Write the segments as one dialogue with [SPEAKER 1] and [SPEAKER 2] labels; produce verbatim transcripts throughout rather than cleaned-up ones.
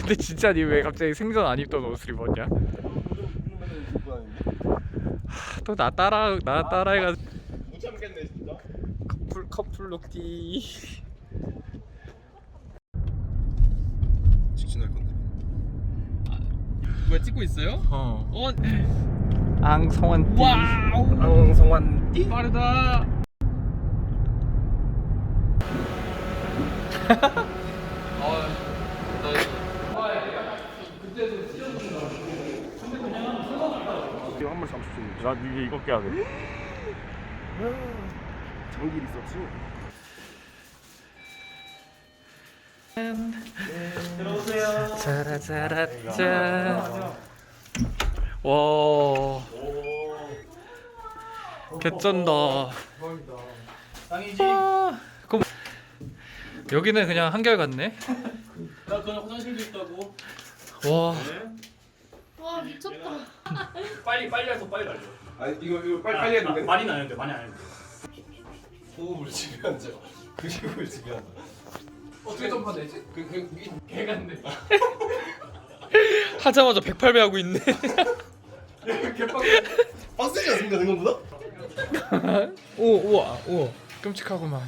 [SPEAKER 1] 근데 진짜 니 왜 갑자기 생전 안 입던 옷을 입었냐? 또 나 따라 나 따라해가
[SPEAKER 2] 못 참겠네 진짜.
[SPEAKER 1] 커플 커플 룩티.
[SPEAKER 2] 직진할 건데.
[SPEAKER 3] 뭐야 찍고 있어요?
[SPEAKER 1] 어.
[SPEAKER 3] 어.
[SPEAKER 1] 앙성환띠.
[SPEAKER 3] 와우.
[SPEAKER 2] 앙성환띠.
[SPEAKER 3] 빠르다.
[SPEAKER 2] 이거 한 마리 삼십 분.
[SPEAKER 1] 나 이게 이거 깨야 돼.
[SPEAKER 2] 장길 있었지. 들어오세요.
[SPEAKER 1] 짜라짜라짜. 와. 개쩐다.
[SPEAKER 3] 짱이지.
[SPEAKER 1] 와. 그럼 여기는 그냥 한결 같네.
[SPEAKER 3] 나 그냥 화장실도 있다고.
[SPEAKER 1] 와.
[SPEAKER 4] 와 미쳤다.
[SPEAKER 3] 빨리 빨리 해서 빨리 날려.
[SPEAKER 2] 아 이거 이거 빨리 빨리 해야 돼.
[SPEAKER 3] 많이 안 해도 돼. 많이 안 해도 돼.
[SPEAKER 2] 호흡을 지배한자. 근육을 지배한다.
[SPEAKER 3] 어떻게 점파되지?
[SPEAKER 2] 그그
[SPEAKER 3] 개 같네.
[SPEAKER 1] 하자마자 백팔 배 하고 있네.
[SPEAKER 2] 빡세지 않습니까 생각보다?
[SPEAKER 1] 오 우와 우와. 끔찍하구만.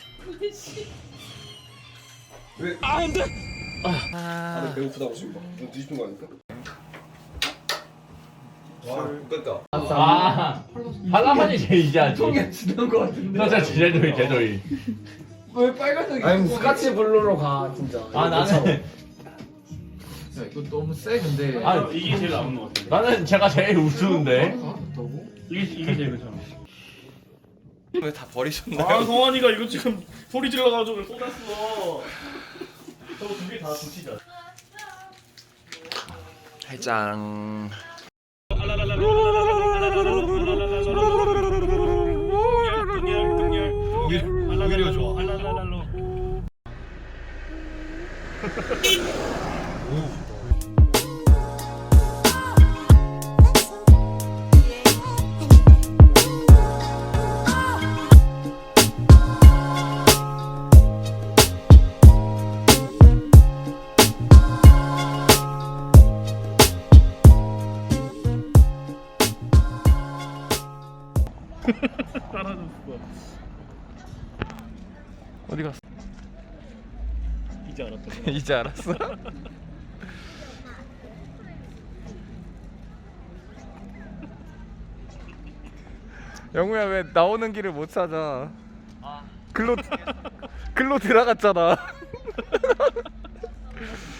[SPEAKER 2] 왜?
[SPEAKER 1] 아 안돼.
[SPEAKER 2] 다들
[SPEAKER 1] 아.
[SPEAKER 2] 배고프다고 지금 막 눈 뒤집힌 거 아닙니까? 와 웃겼다.
[SPEAKER 5] 아, 한라산이 제일이야. 통에 지는 거 같은데. 너 진짜 제도이, 제도이.
[SPEAKER 3] 왜 빨간색이?
[SPEAKER 6] 아니 스카치 블루로 가 진짜.
[SPEAKER 5] 아, 나는,
[SPEAKER 6] 야, 이거 너무 세 근데.
[SPEAKER 5] 아,
[SPEAKER 3] 이게 제일 나은 것 같아.
[SPEAKER 5] 나는 제가 제일 우스운데.
[SPEAKER 3] 이게 이게 제일 괜찮아.
[SPEAKER 2] 왜 다 버리셨나요?
[SPEAKER 3] 아 성환이가 이거 지금 소리 질러가지고 쏟았어. 저거 두 개 다 붙이자.
[SPEAKER 2] 해장.
[SPEAKER 3] 오히려 좋아. 알랄랄랄로. 따라줬어.
[SPEAKER 1] 어디 갔어?
[SPEAKER 3] 이제 알았다.
[SPEAKER 1] 이제 알았어. 영우야 왜 나오는 길을 못 찾아? 글로 글로 들어갔잖아.